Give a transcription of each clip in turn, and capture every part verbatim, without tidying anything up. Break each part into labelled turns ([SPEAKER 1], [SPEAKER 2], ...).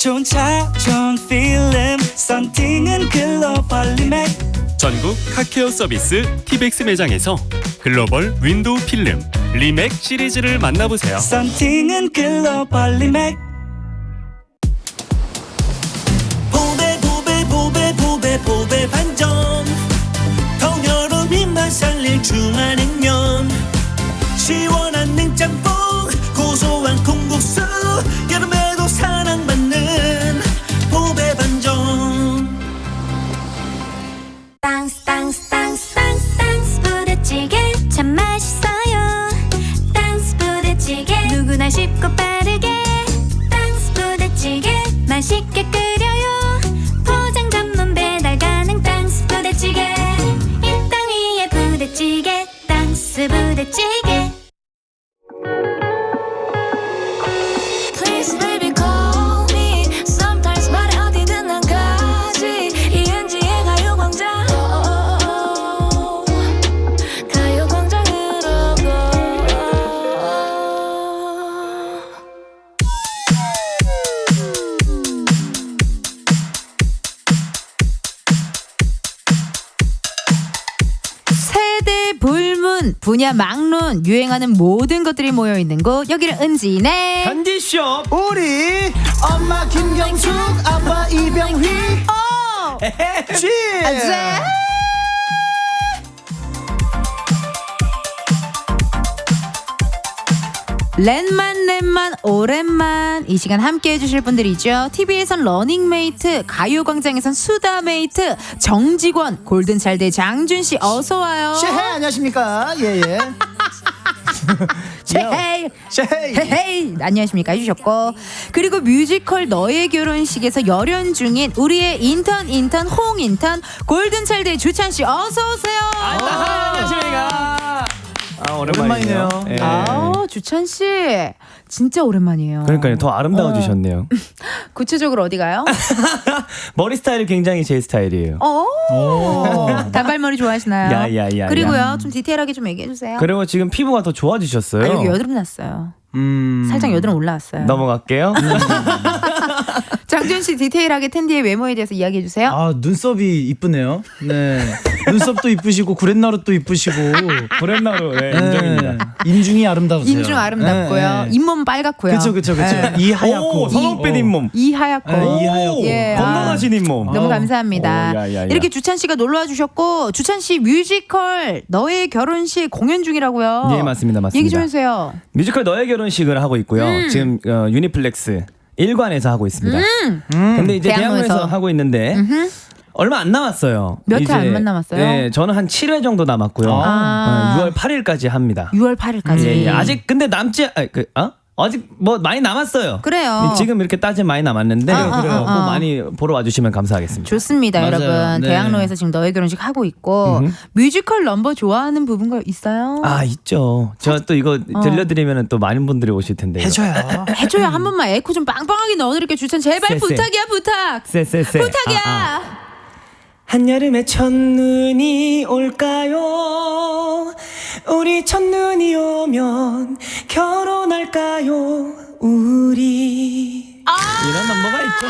[SPEAKER 1] 좋은 차 좋은 필름 썬팅은 글로벌 리맥
[SPEAKER 2] 전국 카케어 서비스 티백스 매장에서 글로벌 윈도우 필름 리맥 시리즈를 만나보세요.
[SPEAKER 1] 썬팅은 글로벌 리맥 보배 보배 보배 보배 보배 반전 통여름 입맛 살릴 중화냉면 시원한 냉짬뽕 고소한 콩국수 여름에도 사랑받는 보배 반전
[SPEAKER 3] 땅스 땅스 땅스 땅스 땅스 부대찌개 참 맛있어요. 땅스 부대찌개 누구나 쉽고 빠르게 땅스 부대찌개 맛있게 끓여요. 포장 전문 배달 가능 땅스 부대찌개 이 땅 위에 부대찌개 땅스 부대찌개. Please baby call me sometimes 말해 어디든 난 가지 이은지의 가요광장 가요광장으로 go
[SPEAKER 4] 세대 불문, 분야 막론, 유행하는 모든 것들이 모여있는 곳 여기는 은지네
[SPEAKER 5] 현디쇼
[SPEAKER 6] 우리 엄마 김경숙 아빠 이병휘
[SPEAKER 4] 어!
[SPEAKER 6] 쥐
[SPEAKER 4] 아자! 랜만 랜만 오랜만 이 시간 함께 해주실 분들이죠. 티비에선 러닝메이트, 가요광장에선 수다메이트, 정직원, 골든차일드 장준씨 어서와요.
[SPEAKER 6] 쉐헤 안녕하십니까 예예
[SPEAKER 4] 쉐헤이
[SPEAKER 6] 쉐헤이
[SPEAKER 4] 헤헤이 안녕하십니까 해주셨고, 그리고 뮤지컬 너의 결혼식에서 열연 중인 우리의 인턴 인턴 홍인턴 골든차일드의 주찬씨 어서오세요.
[SPEAKER 5] 안녕하십니까. 아,
[SPEAKER 6] 오랜만이네요.
[SPEAKER 5] 오랜만이네요. 예.
[SPEAKER 4] 아 주찬씨 진짜 오랜만이에요.
[SPEAKER 5] 그러니까요, 더 아름다워지셨네요.
[SPEAKER 4] 구체적으로 어디 가요?
[SPEAKER 5] 머리 스타일이 굉장히 제 스타일이에요.
[SPEAKER 4] 오, 단발머리 좋아하시나요?
[SPEAKER 5] 야, 야, 야,
[SPEAKER 4] 그리고요
[SPEAKER 5] 야.
[SPEAKER 4] 좀 디테일하게 좀 얘기해주세요.
[SPEAKER 5] 그리고 지금 피부가 더 좋아지셨어요.
[SPEAKER 4] 아, 여기 여드름 났어요.
[SPEAKER 5] 음...
[SPEAKER 4] 살짝 여드름 올라왔어요.
[SPEAKER 5] 넘어갈게요.
[SPEAKER 4] 장준 씨 디테일하게 텐디의 외모에 대해서 이야기해 주세요.
[SPEAKER 6] 아 눈썹이 이쁘네요. 네 눈썹도 이쁘시고 구렛나루도 이쁘시고
[SPEAKER 5] 브랜나로 네,
[SPEAKER 6] 네.
[SPEAKER 5] 인정입니다.
[SPEAKER 6] 인중이 아름다우세요.
[SPEAKER 4] 인중 아름답고요.
[SPEAKER 6] 네, 네.
[SPEAKER 4] 잇몸 빨갛고요.
[SPEAKER 6] 그쵸 그쵸 그쵸.
[SPEAKER 4] 네.
[SPEAKER 6] 이 하얗고
[SPEAKER 5] 오, 선홍빛 잇몸.
[SPEAKER 4] 이 하얗고.
[SPEAKER 6] 네, 이 하얗고.
[SPEAKER 4] 예,
[SPEAKER 5] 건강하신 잇몸.
[SPEAKER 4] 너무
[SPEAKER 6] 어.
[SPEAKER 4] 감사합니다.
[SPEAKER 5] 오, 야, 야, 야.
[SPEAKER 4] 이렇게 주찬 씨가 놀러와 주셨고, 주찬 씨 뮤지컬 너의 결혼식 공연 중이라고요.
[SPEAKER 5] 예, 맞습니다, 맞습니다.
[SPEAKER 4] 얘기 좀 해주세요.
[SPEAKER 5] 뮤지컬 너의 결혼식을 하고 있고요.
[SPEAKER 4] 음.
[SPEAKER 5] 지금 어, 유니플렉스 일관에서 하고 있습니다.
[SPEAKER 4] 음.
[SPEAKER 5] 근데 이제
[SPEAKER 4] 대학로에서.
[SPEAKER 5] 대학로에서 하고 있는데
[SPEAKER 4] 음흠.
[SPEAKER 5] 얼마 안 남았어요.
[SPEAKER 4] 몇 회
[SPEAKER 5] 이제,
[SPEAKER 4] 안 남았어요?
[SPEAKER 5] 네, 저는 한 칠 회 정도 남았고요.
[SPEAKER 4] 아.
[SPEAKER 5] 어, 유월 팔 일까지 합니다.
[SPEAKER 4] 유월 팔 일까지.
[SPEAKER 5] 예, 예. 아직 근데 남지 아, 그 어? 아직 뭐 많이 남았어요.
[SPEAKER 4] 그래요.
[SPEAKER 5] 지금 이렇게 따지면 많이 남았는데
[SPEAKER 4] 아, 아,
[SPEAKER 5] 그래요.
[SPEAKER 4] 아,
[SPEAKER 5] 꼭
[SPEAKER 4] 아.
[SPEAKER 5] 많이 보러 와주시면 감사하겠습니다.
[SPEAKER 4] 좋습니다,
[SPEAKER 6] 맞아요.
[SPEAKER 4] 여러분.
[SPEAKER 6] 네.
[SPEAKER 4] 대학로에서 지금 너의 결혼식 하고 있고,
[SPEAKER 5] 음흠.
[SPEAKER 4] 뮤지컬 넘버 좋아하는 부분 거 있어요?
[SPEAKER 5] 아 있죠. 저 또 이거
[SPEAKER 4] 어.
[SPEAKER 5] 들려드리면 또 많은 분들이 오실 텐데.
[SPEAKER 6] 해줘요.
[SPEAKER 4] 해줘요. 한 번만 에코 좀 빵빵하게 넣어드릴게요. 주찬 제발
[SPEAKER 5] 쎄, 쎄.
[SPEAKER 4] 부탁이야 부탁.
[SPEAKER 5] 쎄쎄쎄.
[SPEAKER 4] 부탁이야.
[SPEAKER 5] 아, 아. 한여름에 첫눈이 올까요? 우리 첫눈이 오면 결혼할까요? 우리 이런 넘버가 있죠.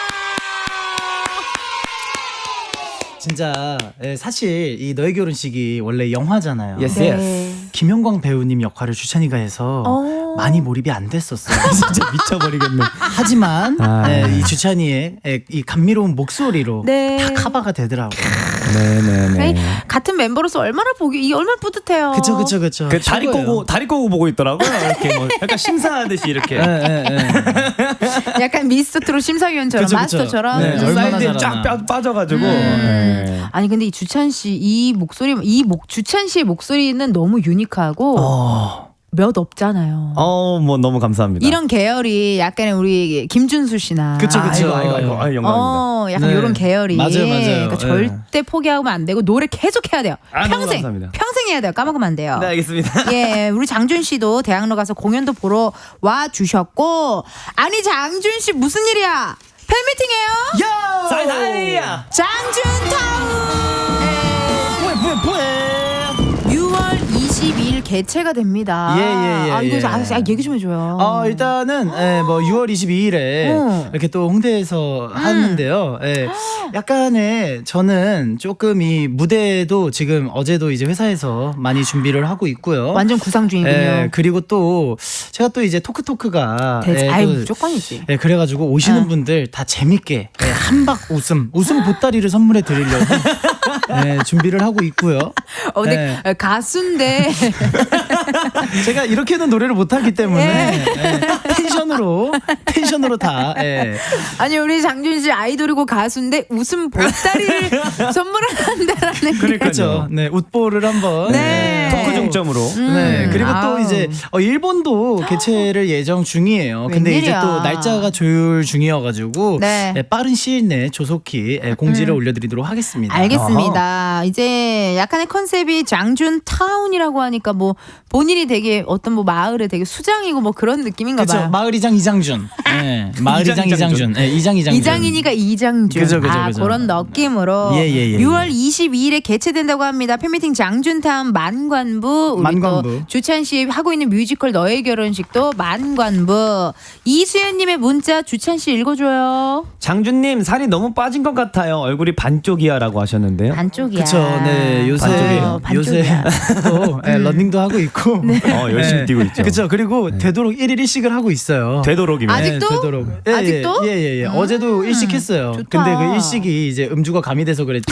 [SPEAKER 6] 진짜 예, 사실 이 너의 결혼식이 원래 영화잖아요.
[SPEAKER 5] Yes,
[SPEAKER 4] 네.
[SPEAKER 5] yes.
[SPEAKER 6] 김영광 배우님 역할을 주찬이가 해서
[SPEAKER 4] 어.
[SPEAKER 6] 많이 몰입이 안 됐었어요.
[SPEAKER 5] 진짜 미쳐버리겠네.
[SPEAKER 6] 하지만
[SPEAKER 5] 아.
[SPEAKER 6] 예, 이 주찬이의 예, 이 감미로운 목소리로
[SPEAKER 4] 네.
[SPEAKER 6] 다 커버가 되더라고요.
[SPEAKER 5] 네네네.
[SPEAKER 4] 아니, 같은 멤버로서 얼마나 보기 이 얼마나 뿌듯해요.
[SPEAKER 6] 그쵸 그쵸 그쵸.
[SPEAKER 5] 그 다리
[SPEAKER 6] 최고예요.
[SPEAKER 5] 꼬고 다리 꼬고 보고 있더라고요. 이렇게 뭐 약간 심사하듯이 이렇게.
[SPEAKER 6] 예, 예, 예.
[SPEAKER 4] 약간 미스트롯 심사위원처럼
[SPEAKER 6] 그쵸, 그쵸.
[SPEAKER 4] 마스터처럼.
[SPEAKER 6] 네,
[SPEAKER 4] 음.
[SPEAKER 6] 얼마나
[SPEAKER 5] 사이드에 쫙
[SPEAKER 6] 잘하나.
[SPEAKER 5] 빠- 빠져가지고.
[SPEAKER 4] 음.
[SPEAKER 5] 네.
[SPEAKER 4] 아니 근데 이 주찬 씨 이 목소리 이 목 주찬 씨의 목소리는 너무 유니크하고
[SPEAKER 5] 어,
[SPEAKER 4] 몇 없잖아요.
[SPEAKER 5] 어, 뭐 너무 감사합니다.
[SPEAKER 4] 이런 계열이 약간의 우리 김준수 씨나
[SPEAKER 6] 그쵸, 그쵸.
[SPEAKER 5] 아이고 아이고 아이고 아유, 영광입니다.
[SPEAKER 4] 어, 약간
[SPEAKER 6] 네.
[SPEAKER 4] 이런 계열이
[SPEAKER 6] 맞아요, 맞아요.
[SPEAKER 4] 그러니까
[SPEAKER 6] 네.
[SPEAKER 4] 절대 포기하면 안 되고 노래 계속 해야 돼요.
[SPEAKER 5] 아, 너무
[SPEAKER 4] 평생
[SPEAKER 5] 감사합니다.
[SPEAKER 4] 평생 해야 돼요. 까먹으면 안 돼요.
[SPEAKER 5] 네 알겠습니다.
[SPEAKER 4] 예, 우리 장준 씨도 대학로 가서 공연도 보러 와 주셨고, 아니 장준 씨 무슨 일이야? 팬미팅이에요?
[SPEAKER 5] 사이사이야.
[SPEAKER 4] 장준 타운.
[SPEAKER 6] 뿌에 뿌에 뿌에.
[SPEAKER 4] 유월 이십이일 개최가 됩니다.
[SPEAKER 6] 예, 예, 예,
[SPEAKER 4] 아, 이거
[SPEAKER 6] 예.
[SPEAKER 4] 아, 아, 얘기 좀 해줘요.
[SPEAKER 6] 어, 일단은 예, 뭐 유월 이십이일에
[SPEAKER 4] 어.
[SPEAKER 6] 이렇게 또 홍대에서 하는데요. 예, 약간의 저는 조금 이 무대도 지금 어제도 이제 회사에서 많이 준비를 하고 있고요.
[SPEAKER 4] 완전 구상 중이군요.
[SPEAKER 6] 예, 그리고 또 제가 또 이제 토크토크가
[SPEAKER 4] 대,
[SPEAKER 6] 예,
[SPEAKER 4] 아유
[SPEAKER 6] 또
[SPEAKER 4] 무조건이지.
[SPEAKER 6] 예, 그래가지고 오시는
[SPEAKER 4] 어.
[SPEAKER 6] 분들 다 재밌게 예, 한박 웃음, 웃음 보따리를 선물해 드리려고 예, 준비를 하고 있고요.
[SPEAKER 4] 어, 근데
[SPEAKER 6] 예.
[SPEAKER 4] 가수인데
[SPEAKER 6] 제가 이렇게는 노래를 못하기 때문에 예, 텐션으로 텐션으로 다 예.
[SPEAKER 4] 아니 우리 장준 씨 아이돌이고 가수인데 웃음 보따리를 선물한다라는 게.
[SPEAKER 6] 그렇죠. 네, 웃보를 한번
[SPEAKER 4] 네.
[SPEAKER 5] 토크 중점으로.
[SPEAKER 6] 네, 그리고 또
[SPEAKER 4] 아우.
[SPEAKER 6] 이제 어, 일본도 개최를 예정 중이에요. 근데
[SPEAKER 4] 웬일이야.
[SPEAKER 6] 이제 또 날짜가 조율 중이어가지고
[SPEAKER 4] 네.
[SPEAKER 6] 예, 빠른 시일 내에 조속히 예, 공지를
[SPEAKER 4] 음.
[SPEAKER 6] 올려드리도록 하겠습니다.
[SPEAKER 4] 알겠습니다. 이제 약간의 컨셉이 장준 타운이라고 하니까 뭐 본인이 되게 어떤 뭐 마을에 되게 수장이고 뭐 그런 느낌인가
[SPEAKER 6] 그렇죠.
[SPEAKER 4] 봐요.
[SPEAKER 6] 마을이장 이장준. 네, 마을이장
[SPEAKER 5] 이장,
[SPEAKER 6] 이장준. 네, 이장 이장준.
[SPEAKER 4] 이장이니까 이장준.
[SPEAKER 6] 그죠, 그죠,
[SPEAKER 4] 아,
[SPEAKER 6] 그죠.
[SPEAKER 4] 그런 느낌으로
[SPEAKER 6] 예, 예, 예,
[SPEAKER 4] 유월 이십이일에 개최된다고 합니다. 팬미팅 장준타운 만관부. 우리
[SPEAKER 6] 만관부.
[SPEAKER 4] 또 주찬 씨 하고 있는 뮤지컬 너의 결혼식도 만관부. 이수연님의 문자 주찬 씨 읽어줘요.
[SPEAKER 5] 장준님 살이 너무 빠진 것 같아요. 얼굴이 반쪽이야라고 하셨는데요.
[SPEAKER 4] 반쪽이야.
[SPEAKER 6] 그쵸. 네, 요새
[SPEAKER 4] 반쪽이에요.
[SPEAKER 6] 요새
[SPEAKER 4] 반쪽이야.
[SPEAKER 6] 또 예, 러닝도 하고 있고.
[SPEAKER 5] 어, 열심히 뛰고 있죠.
[SPEAKER 6] 그렇죠. 그리고 되도록 일일 일식을 하고 있어요.
[SPEAKER 5] 되도록이면.
[SPEAKER 4] 아직도?
[SPEAKER 6] 되도록.
[SPEAKER 4] 아직도?
[SPEAKER 6] 예, 예, 예. 어제도 일식했어요.
[SPEAKER 4] 좋다.
[SPEAKER 6] 근데 그 일식이 이제 음주가 가미돼서 그랬지.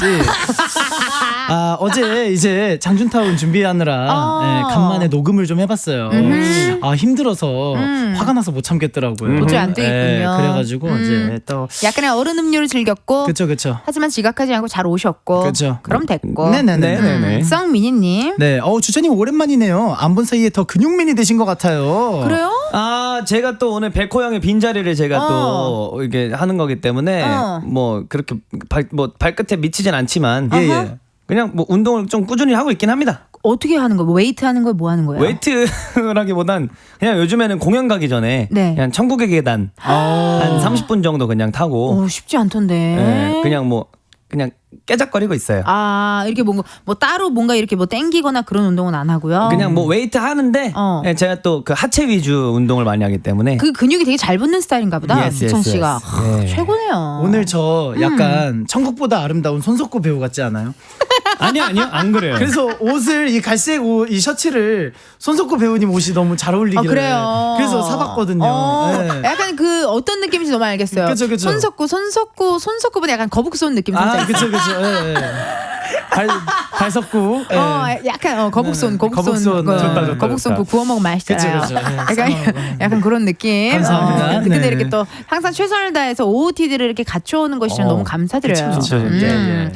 [SPEAKER 6] 아, 어제 이제 장준타운 준비하느라
[SPEAKER 4] 어.
[SPEAKER 6] 예, 간만에 녹음을 좀 해봤어요.
[SPEAKER 4] 음흠.
[SPEAKER 6] 아, 힘들어서
[SPEAKER 4] 음.
[SPEAKER 6] 화가 나서 못 참겠더라고요.
[SPEAKER 4] 도저히 안 되겠군요.
[SPEAKER 6] 예, 그래가지고
[SPEAKER 4] 음.
[SPEAKER 6] 이제 또
[SPEAKER 4] 약간의 얼음 음료를 즐겼고
[SPEAKER 6] 그쵸, 그쵸.
[SPEAKER 4] 하지만 지각하지 않고 잘 오셨고
[SPEAKER 6] 그쵸.
[SPEAKER 4] 그럼 됐고.
[SPEAKER 6] 네네네.
[SPEAKER 5] 네네네.
[SPEAKER 4] 음, 썩미니님.
[SPEAKER 6] 네, 어 주차님 오랜만이네요. 안 본 사이에 더 근육맨이 되신 것 같아요.
[SPEAKER 4] 그래요?
[SPEAKER 5] 아, 제가 또 오늘 백호 형의 빈자리를 제가
[SPEAKER 4] 어.
[SPEAKER 5] 또 이게 하는 거기 때문에
[SPEAKER 4] 어.
[SPEAKER 5] 뭐 그렇게 발, 뭐 발끝에 미치진 않지만
[SPEAKER 6] 예,
[SPEAKER 4] 아하.
[SPEAKER 6] 예.
[SPEAKER 5] 그냥 뭐 운동을 좀 꾸준히 하고 있긴 합니다.
[SPEAKER 4] 어떻게 하는 거예요? 웨이트 하는 거예요? 뭐 하는 거예요?
[SPEAKER 5] 웨이트라기보단 그냥 요즘에는 공연 가기 전에
[SPEAKER 4] 네.
[SPEAKER 5] 그냥 천국의 계단
[SPEAKER 6] 아.
[SPEAKER 5] 한 삼십 분 정도 그냥 타고
[SPEAKER 4] 어, 쉽지 않던데.
[SPEAKER 5] 예, 그냥 뭐 그냥 깨작거리고 있어요.
[SPEAKER 4] 아 이렇게 뭔가 뭐 따로 뭔가 이렇게 뭐 땡기거나 그런 운동은 안 하고요.
[SPEAKER 5] 그냥 뭐 웨이트 하는데
[SPEAKER 4] 어.
[SPEAKER 5] 예, 제가 또 그 하체 위주 운동을 많이 하기 때문에
[SPEAKER 4] 그 근육이 되게 잘 붙는 스타일인가 보다.
[SPEAKER 5] Yes,
[SPEAKER 4] 수찬
[SPEAKER 5] yes,
[SPEAKER 4] 씨가
[SPEAKER 5] yes.
[SPEAKER 4] 하,
[SPEAKER 5] 예.
[SPEAKER 4] 최고네요.
[SPEAKER 6] 오늘 저 약간 천국보다 아름다운 손석구 배우 같지 않아요?
[SPEAKER 5] 아니요 아니요 안 그래요.
[SPEAKER 6] 그래서 옷을 이 갈색 옷, 이 셔츠를 손석구 배우님 옷이 너무 잘
[SPEAKER 4] 아,
[SPEAKER 6] 어울리길래
[SPEAKER 4] 그래요.
[SPEAKER 6] 그래서 사봤거든요.
[SPEAKER 4] 어,
[SPEAKER 6] 네.
[SPEAKER 4] 약간 그 어떤 느낌인지 너무 알겠어요.
[SPEAKER 6] 그쵸, 그쵸.
[SPEAKER 4] 손석구, 손석구, 손석구보다 약간 거북선 느낌 살짝.
[SPEAKER 6] 아, 그쵸, 그쵸. 예, 예. 발, 발석구. 예.
[SPEAKER 4] 어, 약간 어, 거북손,
[SPEAKER 6] 네,
[SPEAKER 4] 거북손,
[SPEAKER 6] 거북손.
[SPEAKER 4] 그,
[SPEAKER 6] 좋다, 좋다,
[SPEAKER 4] 거북손
[SPEAKER 5] 좋다.
[SPEAKER 4] 그 구워 먹으면 맛있잖아요.
[SPEAKER 6] 그쵸, 그쵸. 네,
[SPEAKER 4] 약간
[SPEAKER 6] 싸먹고.
[SPEAKER 4] 약간 그런 느낌.
[SPEAKER 6] 감사합니다.
[SPEAKER 4] 어, 근데
[SPEAKER 6] 네.
[SPEAKER 4] 이렇게 또 항상 최선을 다해서 오오티디를 이렇게 갖춰오는 것이 전
[SPEAKER 5] 어,
[SPEAKER 4] 너무 감사드려요.
[SPEAKER 6] 그쵸, 그쵸.
[SPEAKER 4] 음.
[SPEAKER 6] 예, 예.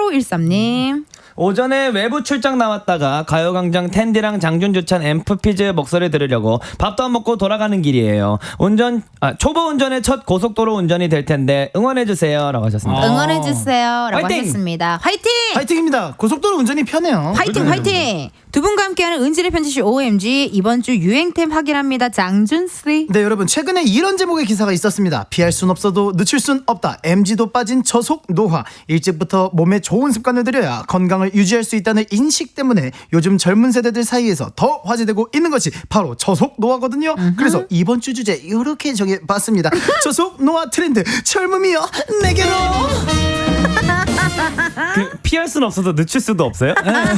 [SPEAKER 4] 팔오일삼님.
[SPEAKER 5] 오전에 외부 출장 나왔다가 가요광장 텐디랑 장준주찬 엠프피즈 목소리 들으려고 밥도 안 먹고 돌아가는 길이에요. 운전 아, 초보 운전의 첫 고속도로 운전이 될 텐데 응원해 주세요라고 하셨습니다.
[SPEAKER 6] 아.
[SPEAKER 4] 응원해주세요. 라고
[SPEAKER 5] 화이팅!
[SPEAKER 4] 하셨습니다. 화이팅!
[SPEAKER 6] 화이팅입니다. 고속도로 운전이 편해요.
[SPEAKER 4] 화이팅 화이팅! 두 분과 함께하는 은지의 편지시 오엠지 이번 주 유행템 확인합니다. 장준씨.
[SPEAKER 6] 네, 여러분 최근에 이런 제목의 기사가 있었습니다. 피할 순 없어도 늦출 순 없다. 엠지도 빠진 저속 노화. 일찍부터 몸에 좋은 습관을 들여야 건강을 유지할 수 있다는 인식 때문에 요즘 젊은 세대들 사이에서 더 화제되고 있는 것이 바로 저속 노화거든요. 그래서 이번 주 주제 이렇게 정해봤습니다. 저속 노화 트렌드 젊음이여 내게로.
[SPEAKER 5] 그, 피할 수는 없어도 늦출 수도 없어요?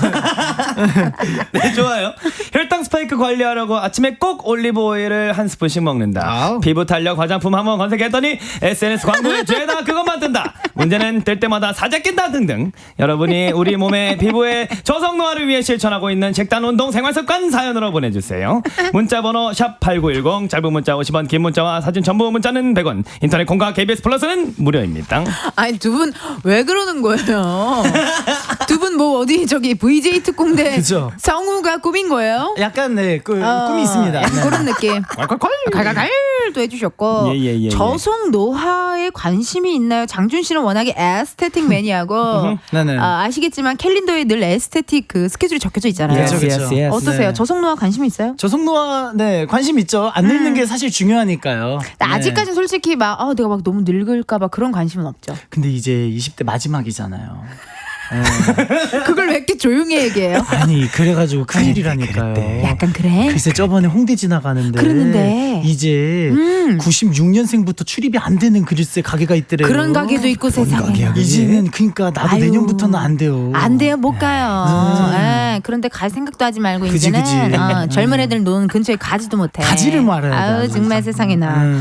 [SPEAKER 5] 네, 좋아요. 혈당 스파이크 관리하려고 아침에 꼭 올리브 오일을 한 스푼씩 먹는다.
[SPEAKER 6] 아우.
[SPEAKER 5] 피부 탄력 화장품 한번 검색했더니 에스엔에스 광고에 죄다 그것만 뜬다. 문제는 뜰 때마다 사재 낀다 등등. 여러분이 우리 몸의 피부의 저속 노화를 위해 실천하고 있는 식단 운동 생활 습관 사연으로 보내주세요. 문자번호 샵 팔구일공, 짧은 문자 오십 원, 긴 문자와 사진 전부 문자는 백 원, 인터넷 콩과 케이비에스 플러스는 무료입니다.
[SPEAKER 4] 아니 두 분 왜 그러는 거예요? 두 분 뭐 어디 저기 브이제이 특공대
[SPEAKER 6] 그죠.
[SPEAKER 4] 성우가 꾸민 거예요?
[SPEAKER 6] 약간 네, 그,
[SPEAKER 4] 어,
[SPEAKER 6] 꿈이 있습니다.
[SPEAKER 4] 약간
[SPEAKER 6] 네.
[SPEAKER 4] 그런 느낌.
[SPEAKER 6] 콸콸콸.
[SPEAKER 4] 갈갈갈도 해주셨고
[SPEAKER 5] 예, 예, 예, 예.
[SPEAKER 4] 저속 노화에 관심이 있나요? 장준 씨는 워낙에 에스테틱 매니아고
[SPEAKER 6] 네네.
[SPEAKER 4] 아, 아시겠지만 캘린더에 늘 에스테틱 그 스케줄이 적혀져 있잖아요.
[SPEAKER 6] 그쵸, 그쵸.
[SPEAKER 4] 어떠세요?
[SPEAKER 6] 네.
[SPEAKER 4] 저속 노화 관심 있어요?
[SPEAKER 6] 저속 노화 네 관심 있죠. 안 늙는 게 사실 중요하니까요.
[SPEAKER 4] 근데
[SPEAKER 6] 네.
[SPEAKER 4] 아직까지는 솔직히 막 아, 내가 막 너무 늙을까봐 그런 관심은 없죠.
[SPEAKER 6] 근데 이제 이십 대 마지막이잖아요.
[SPEAKER 4] 그걸 왜 이렇게 조용히 얘기해요?
[SPEAKER 6] 아니 그래가지고 큰일이라니까요.
[SPEAKER 4] 약간 그래?
[SPEAKER 6] 글쎄 저번에 홍대 지나가는데
[SPEAKER 4] 그러는데.
[SPEAKER 6] 이제
[SPEAKER 4] 음.
[SPEAKER 6] 구십육 년생부터 출입이 안 되는 글쎄 가게가 있더래요.
[SPEAKER 4] 그런 가게도 있고 세상에.
[SPEAKER 6] 이제는 그러니까 나도
[SPEAKER 4] 아유.
[SPEAKER 6] 내년부터는 안 돼요.
[SPEAKER 4] 안 돼요, 못 가요. 예, 그런데 갈 생각도 하지 말고
[SPEAKER 6] 그지,
[SPEAKER 4] 이제는
[SPEAKER 6] 그지.
[SPEAKER 4] 어, 젊은 애들 노는 근처에 가지도 못해.
[SPEAKER 6] 가지를 말아야 돼,
[SPEAKER 4] 아유
[SPEAKER 6] 아주.
[SPEAKER 4] 정말 세상에나.
[SPEAKER 6] 음.